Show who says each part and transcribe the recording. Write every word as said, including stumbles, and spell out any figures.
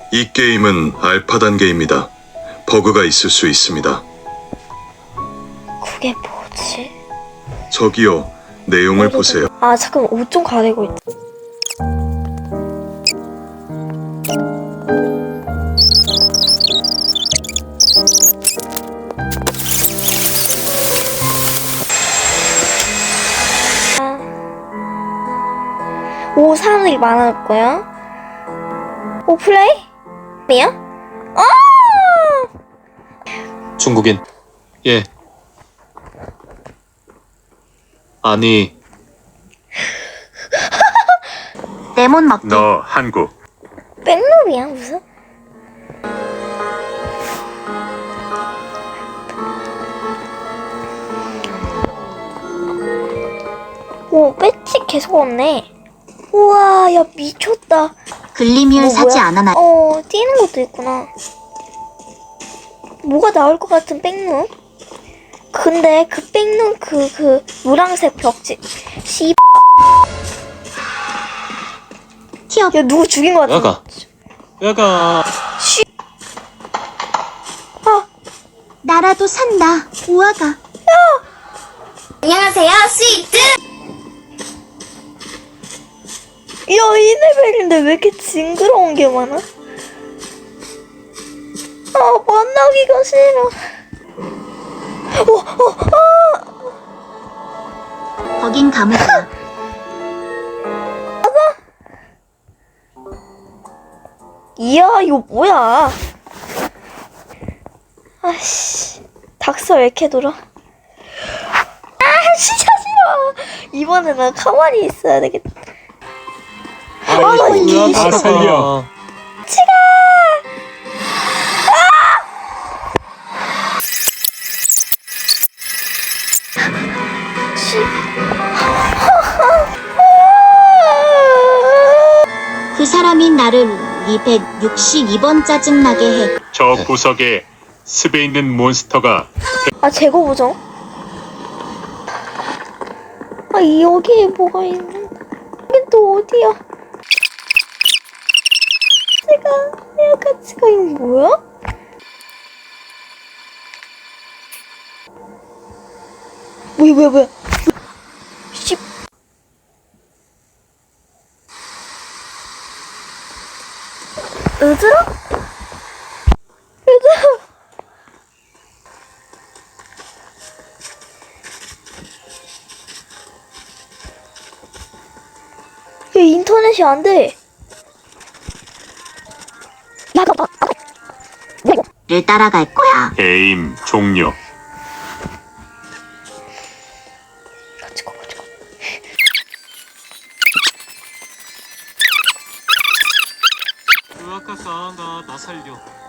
Speaker 1: 이 게임은 알파 단계입니다. 버그가 있을 수 있습니다.
Speaker 2: 그게 뭐지?
Speaker 1: 저기요, 내용을 보세요.
Speaker 2: 아 잠깐 옷 좀 가리고 있자. 오 사람들이 많을 거야. 오 플레이? 뭐야? 아!
Speaker 3: 중국인. 예. 아니,
Speaker 4: 레몬 먹기.
Speaker 5: 너 한국.
Speaker 2: 백룸이야 무슨? 오 배지 계속 없네. 우와 야 미쳤다.
Speaker 4: 글리뮤
Speaker 2: 뭐,
Speaker 4: 사지
Speaker 2: 뭐야?
Speaker 4: 않아나.
Speaker 2: 어 뛰는 것도 있구나. 뭐가 나올 것 같은 백룸? 근데 그 백룸 그 그 노란색 벽지 씨.
Speaker 4: 티어.
Speaker 2: 야 누구 죽인 것 같아.
Speaker 3: 야가. 야가.
Speaker 2: 아
Speaker 4: 나라도 산다. 우아가.
Speaker 2: 안녕하세요 스위트. 야 이 레벨인데 왜 이렇게 징그러운 게 많아? 아 만나기가 싫어. 어, 어, 아!
Speaker 4: 거긴 감옥이야.
Speaker 2: 이야 이거 뭐야? 아씨 닥서 왜 이렇게 돌아? 아 진짜 싫어. 이번에 나 가만히 있어야 되겠다.
Speaker 3: 아이고,
Speaker 2: 이
Speaker 3: 다 살려.
Speaker 2: 치가.
Speaker 4: 그 사람이 나를 이백육십이 번 짜증나게 해.
Speaker 5: 저 구석에 습에 있는 몬스터가
Speaker 2: 아 재고 보정. 아 여기에 뭐가 있는? 여긴 또 어디야? 제가 내가 지가 이거 뭐야? 뭐야 뭐야 뭐야? 씨. 얘들아? 얘들아? 야 인터넷이 안 돼.
Speaker 4: 를 따라갈 거야.
Speaker 5: 게임 종료.
Speaker 2: 같이 가 같이 가.
Speaker 3: 으아까 나, 나 살려.